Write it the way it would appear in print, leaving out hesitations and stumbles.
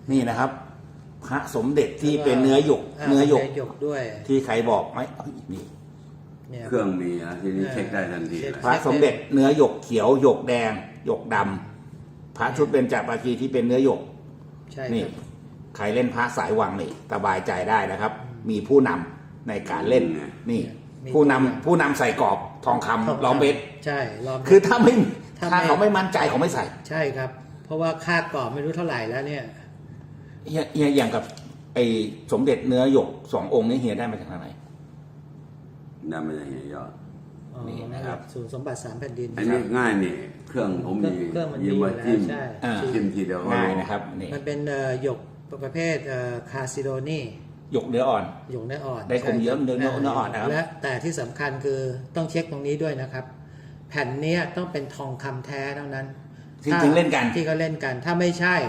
นี่นะครับ พระสมเด็จที่เป็นเนื้อหยกด้วยที่ใครบอกไหมนี่เครื่องมีนะทีนี้เช็คได้ทันทีเลยพระสมเด็จเนื้อหยกเขียวหยกแดงหยกดำพระชุดเบญจปาชีที่เป็นเนื้อหยกใช่นี่ใครเล่นพระสายวังนี่สบายใจได้นะครับ มีผู้นำในการเล่นนี่ ผู้นำใส่กรอบทองคำล้อมเพชรใช่ล้อมคือถ้าเขาไม่มั่นใจเขาไม่ใส่ใช่ครับ เพราะว่าค่ากรอบไม่รู้เท่าไหร่แล้วเนี่ยอย่างกับไอ้สมเด็จเนื้อหยก2 องค์นี้เฮียได้มาจากไหนนั่นไม่ใช่เฮียยอดนี่นะครับศูนย์สมบัติ3 แผ่นดินอันนี้ง่ายนี่เครื่องผมมีเครื่องมันมียืมมาอยู่จิ้มแล้วใช่จิ้มทีเดียวก็ง่ายรู้นะครับนี่มันเป็นหยกประเภทคาซิโดนีหยกเนื้ออ่อนหยกเนื้ออ่อนได้คมเยอะใช่เนื้ออ่อนนะครับและแต่ที่สำคัญคือต้องเช็คตรงนี้ด้วยนะครับ แผ่นเนี้ยต้องเป็นทองคำแท้เท่านั้นที่จริงเล่นกันที่เขาเล่นกันถ้าไม่ใช่